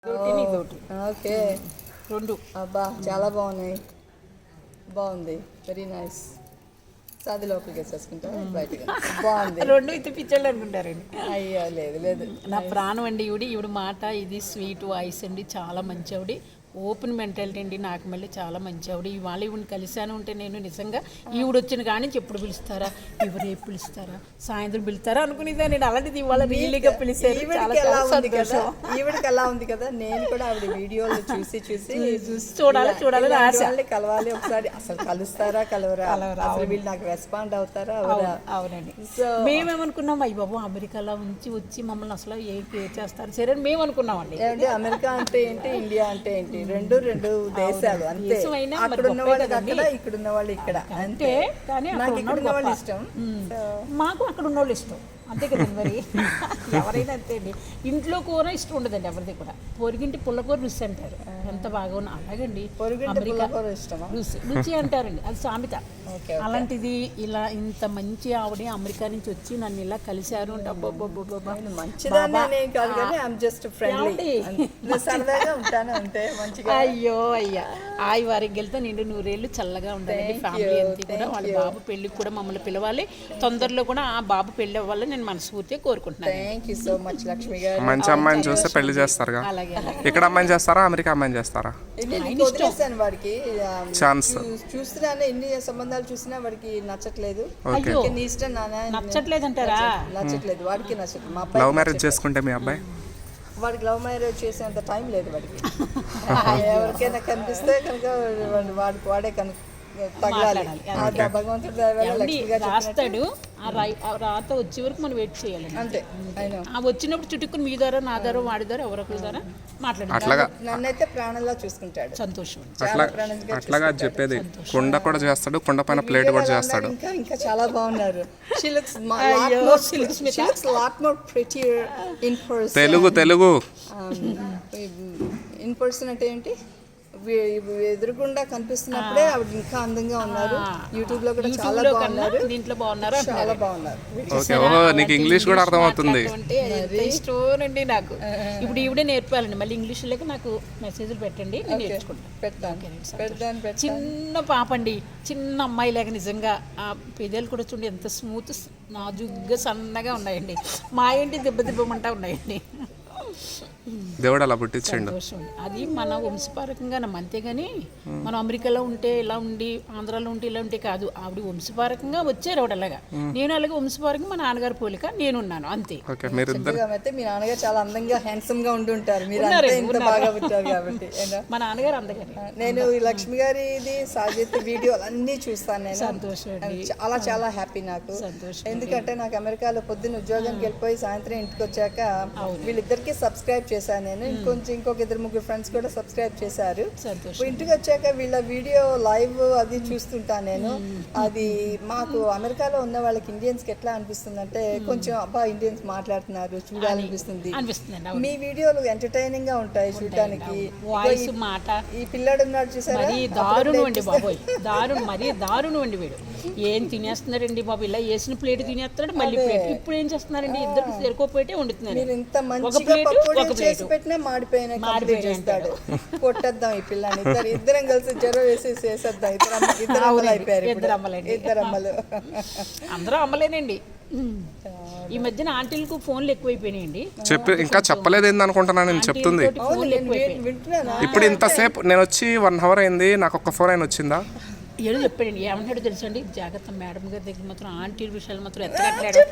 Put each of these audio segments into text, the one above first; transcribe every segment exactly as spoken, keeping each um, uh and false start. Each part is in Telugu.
ఓకే రెండు అబ్బా చాలా బాగున్నాయి, బాగుంది, వెరీ నైస్. అది లోపలికి వేసేసుకుంటా బయటగా బాగుంది. రెండు ఇది పిచ్చోళ్ళు అనుకుంటారండి. అయ్యో లేదు లేదు, నా ప్రాణం అండి ఈవిడ ఈవిడ మాట ఇది స్వీట్ వాయిస్ అండి, చాలా మంచి ఆవిడ, ఓపెన్ మెంటాలిటీ అండి. నాకు మళ్ళీ చాలా మంచి ఆవిడ. ఇవాళ ఈవిని కలిశాను ఉంటే నేను నిజంగా ఈవిడ వచ్చిన కానీ ఎప్పుడు పిలుస్తారా, ఎవరు రేపు పిలుస్తారా, సాయంత్రం పిలుస్తారా అనుకునేదా నేను. అలాంటిది ఇవాళ రీలీగా పిలిచారు, చాలా చాలా సంతోషం. ఈవిడికి ఎలా ఉంది కదా, నేను కూడా ఆవిడ వీడియోలు చూసి చూసి చూసి చూడాలి చూడాలని ఆశ. కలవాలి ఒకసారి, అసలు కలుస్తారా కలవరా, అసలు వీళ్ళు నాకు రెస్పాండ్ అవుతారా అవరా. అవునండి. సో మేమేమనుకున్నాం, అయ్యి బాబు అమెరికాలో ఉంచి వచ్చి మమ్మల్ని అసలు ఏ కేర్ చేస్తారు సరే అని మేము అనుకున్నామండి. ఏంటి అమెరికా అంటే ఏంటి, ఇండియా అంటే ఏంటి, రెండు రెండు దేశాలు అంతే. అక్కడ ఉన్న వాళ్ళు అక్కడ, ఇక్కడ ఉన్న వాళ్ళు ఇక్కడ అంతే. కానీ నాకు ఇక్కడ ఉన్న వాళ్ళు ఇష్టం, మాకు అక్కడ ఉన్న వాళ్ళు ఇష్టం అంతే కదండి. మరి ఎవరైనా అంతే అండి. ఇంట్లో కూర ఇష్టం ఉండదండి ఎవరిది కూడా. పొరిగింటి పుల్లకూర రుచి అంటారు, ఎంత బాగా ఉన్నా. అలాగండి అమెరికా రుచి రుచి అంటారండి, అది సామెత. అలాంటిది ఇలా ఇంత మంచి ఆవిడ అమెరికా నుంచి వచ్చి నన్ను ఇలా కలిశారు అంటే అయ్యో అయ్యా ఆయి వారికి వెళ్తే నిండు నూరేళ్ళు చల్లగా ఉండాలండి. ఫ్యామిలీ అంతా కూడా వాళ్ళ బాబు పెళ్ళికి కూడా మమ్మల్ని పిలవాలి. తొందరలో కూడా ఆ బాబు పెళ్ళి అవ్వాలని నేను మనస్ఫూర్తిగా కోరుకుంటున్నాను. Thank you so much Lakshmi garu. మంచి అమ్మాయిని చూస్తే పెళ్లి చేస్తారుగా. ఇక్కడ అమ్మాయిని చేస్తారా, అమెరికా అమ్మాయిని చేస్తారా? వాడికి ఛాన్స్ చూస్తున్నాను, ఎన్ని సంబంధాలు చూసినా వాడికి నచ్చట్లేదు. నీ ఇష్టం నాన్న, నచ్చట్లేదు అంటారా? నచ్చట్లేదు, వాడికి నచ్చట్లేదు. మా లవ్ మ్యారేజ్ చేసుకుంటే మీ అబ్బాయి వాడికి లవ్ మ్యారేజ్ చేసేంత టైం లేదు వాడికి. ఎవరికైనా కనిపిస్తే కనుక వాడికి వాడే కనుక తగలాలి. భగవంతుడు రాస్తాడు, ఆ రాత వచ్చే వరకు మనం వెయిట్ చేయాలి అంతే. ఆ వచ్చినప్పుడు చుట్టుకుని మీ ద్వారా నా ద్వారా వాడి ద్వారా ఎవరొకరి ద్వారా మాట్లాడాలి. నన్నైతే ప్రాణంలా చూసుకుంటాడు. సంతోషం. అట్లాగా చెప్పేది. కుండ కూడా చేస్తాడు, కుండ పైన ప్లేట్ కూడా చేస్తాడు. ఇంకా ఇంకా చాలా బాగున్నారు. తెలుగు తెలుగు ఇన్ పర్సన్ అంటే ఏంటి, ఎదురుగుండా కనిపిస్తున్నప్పుడే ఆవిడ ఇంకా అందంగా ఉన్నారు. యూట్యూబ్ లో కూడా చాలా బాగున్నారు, దీంట్లో బాగున్నారు, చాలా బాగున్నారు. ఓకే, ఓహో నీకు ఇంగ్లీష్ కూడా అర్థమవుతుంది. ఇష్టం అండి నాకు. ఇప్పుడు ఈవిడే నేర్పాలండి, మళ్ళీ ఇంగ్లీష్ లేక నాకు మెసేజ్లు పెట్టండి, నేను నేర్చుకుంటాను. పెడతాను. చిన్న పాప అండి, చిన్న అమ్మాయి లేక నిజంగా ఆ పెదాలు కూడా చూడండి ఎంత స్మూత్ నాజుగ్గా సన్నగా ఉన్నాయండి. మా ఏంటి దెబ్బ దెబ్బమంటా ఉన్నాయండి. దేవుడు అలా పుట్టించండు. అది మన వంశపారకంగా నమ్మ, అంతేగాని మనం అమెరికాలో ఉంటే ఇలా ఉండి, ఆంధ్రాలో ఉంటే ఇలా ఉంటే కాదు. ఆవిడ వంశపారకంగా వచ్చారు ఆవిడ అలాగా. నేను అలాగే వంశపారకంగా మా నాన్నగారు పోలిక నేనున్నాను అంతే. మీ నాన్నగారు చాలా అందంగా హ్యాండ్సమ్ గా ఉండి ఉంటారు, మీరు ఇంత బాగా పుట్టారు కాబట్టి. మా నాన్నగారు అందగారు. నేను ఈ లక్ష్మి గారిది సాజిత్ వీడియోలు అన్ని చూస్తాను నేను. సంతోషం, చాలా చాలా హ్యాపీ నాకు. ఎందుకంటే నాకు అమెరికాలో పొద్దున్న ఉద్యోగానికి వెళ్ళిపోయి సాయంత్రం ఇంటికి వచ్చాక వీళ్ళిద్దరికి సబ్స్క్రైబ్ చేశాను నేను. ఇంకొంచెం ఇంకొక ఇద్దరు ముగ్గురు ఫ్రెండ్స్ కూడా సబ్స్క్రైబ్ చేశారు. ఇంటికి వచ్చాక వీళ్ళ వీడియో లైవ్ అది చూస్తుంటాను నేను. అది మాకు అమెరికాలో ఉన్న వాళ్ళకి ఇండియన్స్ కి ఎట్లా అనిపిస్తుంది అంటే, కొంచెం అబ్బా ఇండియన్స్ మాట్లాడుతున్నారు చూడాలనిపిస్తుంది. మీ వీడియోలు ఎంటర్టైనింగ్ గా ఉంటాయి చూడటానికి. ఈ పిల్లాడు ఉన్నాడు చూసారా, దారుణం అండి బాబోయ్, దారుణం, మరీ దారుణం అండి. వీడు ఏం తినేస్తున్నారండి బాబు, ఇలా వేసిన ప్లేట్ తినేస్తున్నాడు, మళ్ళీ ప్లేట్. ఇప్పుడు ఏం చేస్తున్నారండి, ఇద్దరు సరికోపోయేటే వండుతున్నారు. చేసి పెట్టినా మాడిపోయిన చేస్తాడు. కొట్టేద్దాం ఈ పిల్లని, ఇద్దరు ఇద్దరం కలిసి జ్వరం వేసేసి వేసేద్దాం. ఇద్దరు ఇద్దరు అమ్మలు అయిపోయారు, ఇద్దరు అమ్మలు. అందరూ అమ్మలేనండి. ఈ మధ్యన ఆంటీలకు ఫోన్లు ఎక్కువైపోయినాయండి. చెప్పి ఇంకా చెప్పలేదు ఏంది అనుకుంటున్నా నేను చెప్తుంది. ఇప్పుడు ఇంతసేపు నేను వచ్చి వన్ అవర్ అయింది, నాకు ఒక్క ఫోన్ అయినా వచ్చిందా? ఏదో చెప్పాడండి, ఏమంటాడో తెలుసండి, జాగ్రత్త మేడం గారి దగ్గర మాత్రం ఆంటీ విషయాలు మాత్రం ఎత్తగట్టాడు.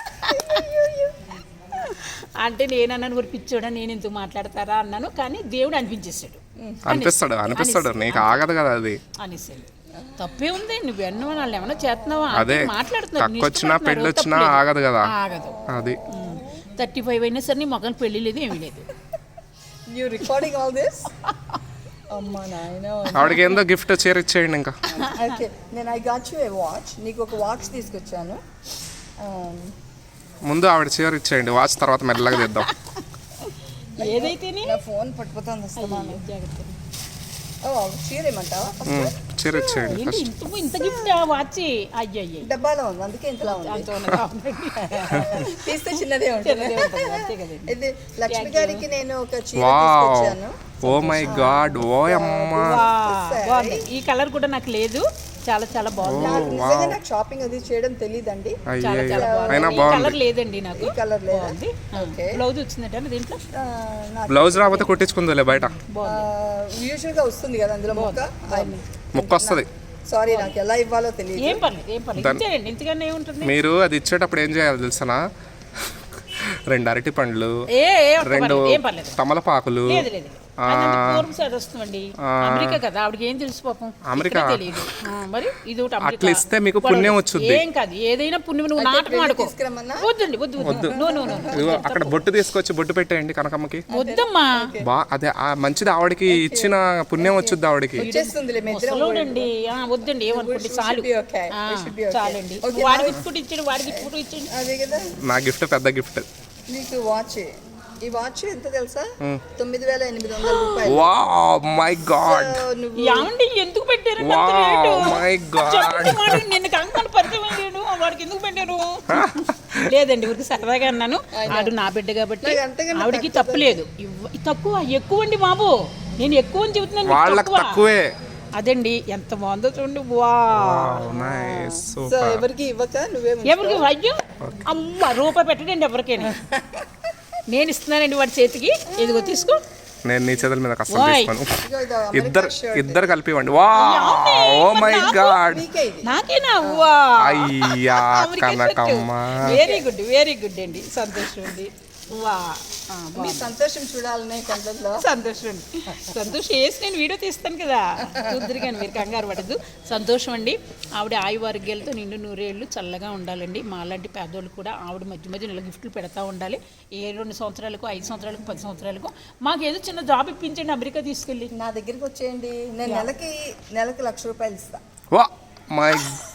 అంటే నేనన్నాను ఊరి పిచ్చోడా, నేను ఎందుకు మాట్లాడతారా అన్నాను, కానీ దేవుడు అనిపించేస్తాడు. అనిపిస్తాడు అనిపిస్తాడు నీకు ఆగదు కదా అది అనేసాడు. తప్పే ఉంది, నువ్వు ఎన్నో వాళ్ళు ఏమన్నా చేస్తున్నావా, మాట్లాడుతున్నావు. వచ్చినా పెళ్ళి వచ్చినా ఆగదు కదా, ఆగదు. అది థర్టీ ఫైవ్ అయినా సరే నీ మొక్కలు పెళ్లి లేదు, ఏమీ లేదు. ఆవిడకి ఏందో గిఫ్ట్ చీర ఇచ్చేయండి ఇంకా. నేను I got you a watch, నీకు ఒక వాచ్ తీసుకొచ్చాను. ముందు ఆవిడ చీర ఇచ్చేయండి, వాచ్ తర్వాత మెల్లగా తెద్దాం. ఏదైతే ఫోన్ పట్టుకుపోతాను. చీర ఏమంటావా? చీర ఇచ్చేయండి ఏంటి ఫస్ట్. ఇంత ఇంత గిఫ్ట్ వాచి అయ్యో అయ్యో డబ్బాలో ఉంది అందుకే ఇంతలా ఉంది. అంత ఉన్నది అవునండి. తీస్తే చిన్నదే ఉంటుంది. చిన్నదే ఉంటుంది, అంతే కదండి. ఇది లక్ష్మి గారికి నేను ఒక చీర వావ్ తీసుకొచ్చాను. ఓ మై గాడ్ ఓ అమ్మా వా, బాగుంది. ఈ కలర్ కూడా నాకు లేదు, చాలా చాలా బాగుంది. నాకు నిజంగా నాకు షాపింగ్ అది చేయడం తెలియదండి. చాలా అయ్యో చాలా బాగుంది. అయినా ఈ బాగుంది. కలర్ లేదండి నాకు. ఈ కలర్ లేదా? బాగుంది. ఓకే. బ్లౌజ్ వచ్చిందంటే దీంట్లో ఆ, నాకు బ్లౌజ్ రాకపోతే కుట్టించుకుందిలే బయట యూజువల్ గా వస్తుంది కదా అందులో మొక్క. ముక్క వస్తుంది. సారీ నాకు ఎలా ఇవ్వాలో తెలియదు. ఏం పర్లేదు ఏం పర్లేదు ఇచ్చేయండి, ఇంతకన్నా ఏముంటుంది. మీరు అది ఇచ్చేటప్పుడు ఏం చేయాలి తెలుసనా? రెండు అరటి పండ్లు, ఏ ఏ ఒక్క రెండు పర్లేదు, ఏం పర్లేదు. తమలపాకులు. లేదు లేదు అదంతా పూర్వం సైడ్ వస్తుందండి. అమెరికా కదా, ఆవిడకి ఏం తెలుసు పాపం. అమెరికా? ఇక్కడే తెలియదు. ఆ, మరి ఇది ఒకటి అమెరికా. అట్లా ఇస్తే మీకు పుణ్యం వచ్చుద్ది. ఏం కాదు, ఏదైనా పుణ్యం. నువ్వు నాటకం ఆడుకో. తీసుకురమ్మన్నా? వద్దండి వద్దు వద్దు నో నో నో ఇదిగో అక్కడ బొట్టు తీసుకొచ్చి బొట్టు పెట్టేయండి కనకమ్మకి. వద్దమ్మా. బా అదే ఆ మంచిది, ఆవిడకి ఇచ్చిన పుణ్యం వచ్చుద్ది ఆవిడకి. వచ్చేస్తుందిలే మీ ఇద్దరం. ముసలోడండి. ఆ, వద్దండి ఏమనుకోండి, చాలు. be okay. ఆ, We should be okay. చాలండి. Okay, వాడికి ఇప్పుడు ఇచ్చాడు, వాడికి ఇప్పుడు ఇచ్చాడు. అదే కదా. నా గిఫ్ట్ పెద్ద గిఫ్ట్. నీకు వాచ్, ఈ వాచ్ ఎంత తెలుసా? తొమ్మిది వేల ఎనిమిది వందల రూపాయలు. వావ్ మై గాడ్ సో నువ్వు ఏమండి ఎందుకు పెట్టారు వావ్ మై గాడ్. నిన్ను కంకణ పరిచయం అయ్యాడు, వాడికి ఎందుకు పెట్టారు? లేదండి ఊరికి సరదాగా అన్నాను. ఆడు నా బిడ్డ కాబట్టి నాకు అంతకన్నా ఆవిడకి తప్పు లేదు. ఇవ్వ- తక్కువ ఎక్కువ అండి బాబు, నేను ఎక్కువ అని చెబుతున్నాను, మీకు వాళ్ళకి తక్కువ. తక్కువే. అదండి ఎంత బాగుందో చూడండి. వా నైస్ సో సూపర్. ఎవరికి ఇవ్వక నువ్వే ఎవరికి అయ్యో అమ్మ రూపాయి పెట్టండి ఎవరికైనా. నేను ఇస్తున్నానండి వాడి చేతికి, ఇదిగో తీసుకో. నేను నీ చేతుల మీద కష్టం ఓయ్. తీసుకోను. ఇదిగో ఇది అమెరికా ఇద్దరు shirt. ఇద్దరు కలిపి ఇవ్వండి. వా ఓ మై గాడ్. నీకే ఇది. నాకేనా? వా అయ్యా Kanakamma. Very good very good అండి, సంతోషం అండి. వా ఆ, మీ బాగుంది. సంతోషం చూడాలనే కళ్ళల్లో. సంతోషం అండి, సంతోషం వేసి నేను వీడియో తీస్తాను కదా, చూద్దరు కానీ మీరు కంగారు పడద్దు. సంతోషం అండి. ఆవిడ ఆయు ఆరోగ్యాలతో నిండు నూరేళ్ళు చల్లగా ఉండాలండి. మాలాంటి పేదోళ్ళు కూడా ఆవిడ మధ్య మధ్య నెల గిఫ్ట్లు పెడతా ఉండాలి. ఏ రెండు సంవత్సరాలకు ఐదు సంవత్సరాలకు పది సంవత్సరాలకు మాకు ఏదో చిన్న జాబ్ ఇప్పించండి అమెరికా తీసుకెళ్ళి. నా దగ్గరికి వచ్చేయండి, నేను నెలకి నెలకి లక్ష రూపాయలు ఇస్తా. వా మై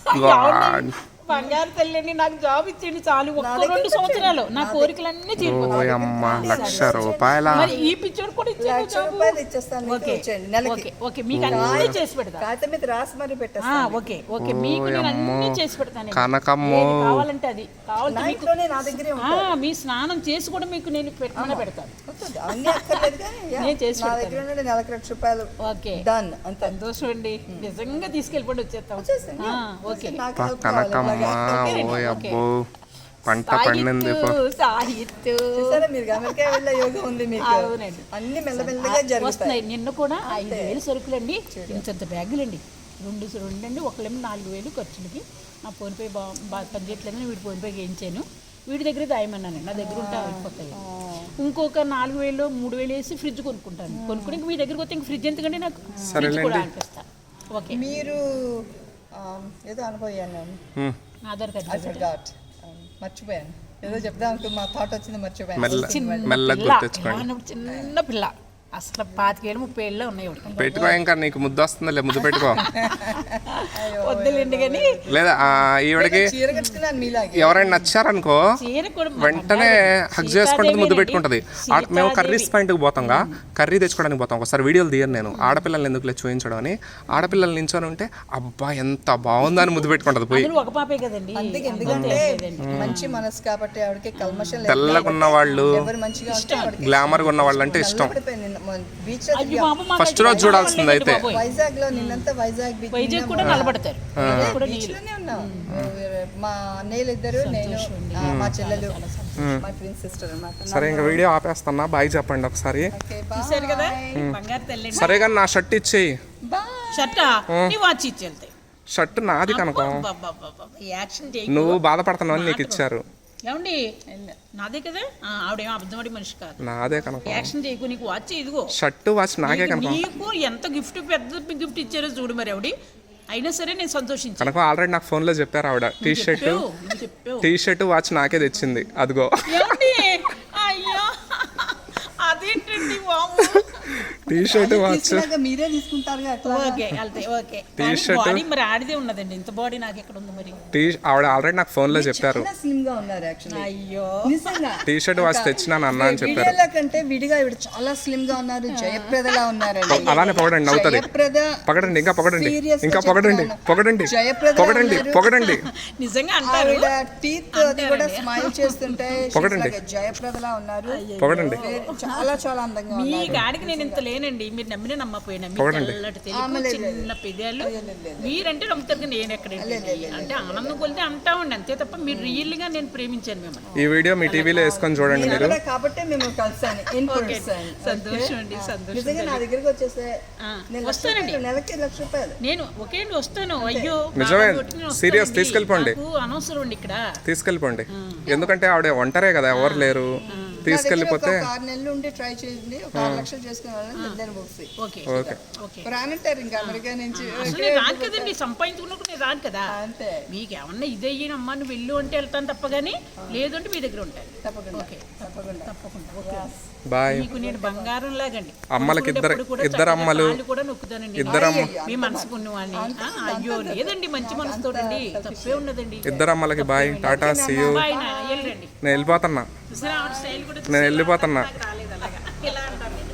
గాడ్. బంగారు తల్లి నాకు జాబ్ ఇచ్చేయండి చాలు, ఒక్క రెండు సంవత్సరాలు నా కోరికలన్నీ ఓ తీరిపోతాయి. అమ్మ లక్ష రూపాయల. మరి ఈ పిచ్చోడు కూడా ఇచ్చేయండి లక్ష జాబు. రూపాయలు ఇచ్చేస్తాను మీకు, ఓకే వచ్చేయండి నెలకి. ఓకే ఓకే మీకు అన్నీ చేసి పెడతా. కాగితం మీద రాసి మరి ఆ, పెట్టేస్తాను. ఓకే ఓకే మీకు నేను అన్నీ చేసి పెడతాను. కనకమ్మో. ఏది కావాలంటే అది కావాలంటే నా మీకు ఇంట్లోనే నా దగ్గరే ఆ, ఉంటాయి. మీ స్నానం చేసి కూడా మీకు నేను పెట్టమని పెడతాను. వద్దు, అన్నీ అక్కర్లేదు కానీ యా, నేను చేసి నా పెడతాను. దగ్గర నుండి నెలకి లక్ష రూపాయలు ఓకే డన్ అంతే. సంతోషం అండి, నిజంగా తీసుకెళ్ళిపోండి వచ్చేస్తాం. వచ్చేసింది. ఆ, ఓకే నాకు పా help కావాలి. కనకమ్మ. అలాగే. ఓ అబ్బో పంట పండింది. పో. సాహిత్తు సాహిత్తు చూసారా మీరు అమెరికా వెళ్ళే యోగం ఉంది మీకు. అవునండి. అన్ని మెల్లమెల్లగా జరుగుతాయి. వస్తున్నాయి. నిన్న కూడా ఐదు వేలు సరుకులండి, ఇంత బ్యాగులండి, రెండు రెండండి, ఒకళ్ళేమో నాలుగు వేలు ఖర్చులకి. నా ఫోన్పే బా బాగా పనిచేయట్లేదని వీడి ఫోన్పే వేయించాను. వీడి దగ్గర దాయమన్నాను, నా దగ్గర ఉంటే అయిపోతాయి. ఇంకొక నాలుగు వేలు మూడు వేలు వేసి ఫ్రిడ్జ్ కొనుక్కుంటాను. కొనుక్కుని ఇంక మీ దగ్గరికి వస్తే ఇంక ఫ్రిడ్జ్ ఎందుకంటే నాకు ఫ్రిడ్జ్ కూడా అనిపిస్తాను. ఓకే మీరు ఆ, ఏదో అనుభవాను నేను. హ్మ్. Aadhaar card I forgot. Um, మర్చిపోయాను ఏదో చెప్దాం అనుకో, మా థాట్ వచ్చింది మర్చిపోయాను. మెల్ల మెల్లగా పిల్ల, గుర్తించుకోండి. ఇలా ఉన్నప్పుడు చిన్న పిల్ల అసలు పాతికేళ్ళు ముప్పై ఏళ్ళు ఉన్నాయి ఒకటి. పెట్టుకో ఇంకా నీకు ముద్దు వస్తుందిలే, ముద్దు పెట్టుకో. వద్దులేండి కానీ లేదా ఆ, ఈవిడకి చీర కట్టుకున్నాను మీలాగే. ఎవరైనా నచ్చారనుకో చీర కూడా మా వెంటనే బంగారు హక్ చేసుకుంటుంది, ముద్దు సీతాదేవి పెట్టుకుంటది. ఆ- అండి. మేము కర్రీస్ పాయింట్కి పోతాంగా, కర్రీ తెచ్చుకోవడానికి పోతాం. ఒకసారి వీడియోలు తీయను నేను, ఆడపిల్లల్ని ఎందుకులే చూపించడం అని. ఆడపిల్లలు నించొని ఉంటే అబ్బా ఎంత బాగుందని ముద్దు పెట్టుకుంటది పోయి. అందులో ఒక పాపే కదండి. అందుకే ఎందుకంటే మంచి మనసు కాబట్టి ఆవిడకి కల్మషం లేదు. తెల్లగున్న వాళ్ళు, ఎవరు మంచిగా ఉంటే ఆవిడకి గ్లామర్గా ఉన్న వాళ్ళు అంటే ఇష్టం. బీచ్ లో అయ్యో బాబు, మాకు ఫస్ట్ అయితే రోజు చూడాల్సింది అయితే. బాబోయ్. వైజాగ్ లో నిన్నంతా వైజాగ్ బీచ్ వైజాగ్ కూడా నిలబడతారు. వైజాగ్ కూడా బీచ్ నీళ్ళు. లోనే ఉన్నాం. మా అన్నయ్యలు ఇద్దరు, నేను, ఆ, మా చెల్లెలు, మా ట్విన్ సిస్టర్ అన్నమాట. సరే ఇంకా వీడియో ఆపేస్తున్నా, బాయ్ చెప్పండి ఒకసారి. Okay, bye. చూసారు కదా బంగారు తల్లి. సరే కానీ నా షర్ట్ ఇచ్చేయి. Bye. షర్టా నీ వాచ్ ఇచ్చి వెళ్తాయి. షర్ట్ నాది కనుక, యాక్షన్ చేయి. నువ్వు బాధపడుతున్నావు అని నీకు ఇచ్చారు. ఏమండి నాదే కదా, ఆ, ఆవిడేమో అబద్ధమడి మనిషి కాదు. నాదే కనుక. యాక్షన్ చేయకు, నీకు వాచ్ ఇదిగో. షర్ట్ వాచ్ నాకే నీకు- కనుక. నీకు ఎంత గిఫ్ట్ పెద్ద గిఫ్ట్ ఇచ్చారో చూడు మరి ఆవిడ. అయినా సరే నేను సంతోషించాను. కనుక ఆల్రెడీ నాకు ఫోన్లో చెప్పారు ఆవిడ. టీ షర్ట్ చెప్పావు, నువ్వు చెప్పావు. టీ షర్ట్ వాచ్ నాకే తెచ్చింది అదిగో. ఏమండి అయ్యో అదేంటండి వాము. టీ షర్ట్ వాచ్ తీసుకున్నాక మీరే తీసుకుంటారుగా అట్లా ఓకే వెళ్తాయి ఓకే బాడీ మరి ఆడిదే ఉన్నదండి ఇంత బాడీ నాకు ఎక్కడ ఉంది మరి టీ ఆవిడ ఆల్రెడీ నాకు ఫోన్ లో చెప్పారు స్లిమ్ గా ఉన్నారు యాక్చువల్లీ అయ్యో నిజంగా టీ షర్ట్ వాచ్ తెచ్చినాను అన్న అని చెప్పారు. వీడియోల కంటే విడిగా ఇవిడ చాలా స్లిమ్ గా ఉన్నారు, జయప్రదలా ఉన్నారండి. అలానే పొగడండి అవుతుంది. జయప్రద పొగడండి ఇంకా పొగడండి Serious గా ఇంకా పొగడండి చెప్తాను. పొగడండి జయప్రద పొగడండి ఉన్నారు. పొగడండి నిజంగా అంటారు ఆవిడ టీత్ అది కూడా స్మైల్ చేస్తుంటే she's పొగడండి. like a జయప్రదలా ఉన్నారు. పొగడండి వేరే- చాలా చాలా అందంగా మీ ఉన్నారు. కాడికి నేను ఇంత లేనండి, మీరు నమ్మిన నమ్మపోయినా మీ పొగడండి. తెల్లటి తెలుగు చిన్న పెదాలు మీరంటే నమ్ముతారు కానీ నేను ఎక్కడ అంటే ఆనందం కొలితే అంటామండి అంతే తప్ప మీరు రియల్ గా నేను ప్రేమించాను మిమ్మల్ని. ఈ వీడియో మీ టీవీలో వేసుకొని చూడండి మీరు. కూడా కాబట్టి మేము కలిసాను ఇన్ పర్సన్. సంతోషం అండి సంతోషం. నిజంగా నా దగ్గరికి వచ్చేస్తే ఆ, నేను వస్తానండి నెలకి లక్ష రూపాయలు నేను ఒకే అండి వస్తాను. అయ్యో నిజమే. బాగా కొట్టి నేను Serious, వస్తానండి. తీసుకెళ్ళిపోండి. నాకు అనవసరం అండి ఇక్కడ. తీసుకెళ్ళిపోండి ఎందుకంటే ఆవిడ ఒంటరే కదా, ఎవరు లేరు. తీసుకెళ్ళిపోతే ఒక ఆరు నెలలు ఉండి ట్రై చేయండి, ఒక ఆరు లక్షలు చేసుకునే వాళ్ళని దాన్ని బుక్స్ ఓకే ఓకే ఓకే రానంటారు ఇంకా అమెరికా నుంచి. అసలు నేను రాను కదండి, సంపాదించుకున్నప్పుడు నేను రాను కదా. అంతే మీకు ఏమన్నా ఇదే అమ్మా నువ్వు వెళ్ళు అంటే వెళ్తాను తప్ప కానీ లేదంటే మీ దగ్గర ఉంటాను. తప్పకుండా ఓకే తప్పకుండా తప్పకుండా ఓకే. బాయ్. మీకు నేను బంగారం లాగండి. అమ్మలకి ఇద్దరు కొనుక్కునేటప్పుడు కూడా ఇద్దరు చక్కగా అమ్మలు కాళ్ళు కూడా నొక్కుతానండి. ఇద్దరు అమ్మ మీ మనసు పుణ్యవాణి. అయ్యో లేదండి మంచి మనసుతోటండి, తప్పే ఉన్నదండి. ఇద్దరు అమ్మలకి bye, tata see you. Bye నా వెళ్ళండి. నేను వెళ్ళిపోతున్నా చూసారా ఆవిడ స్టైల్ కూడా నేను వెళ్ళిపోతున్నా నాకు రాలేదు.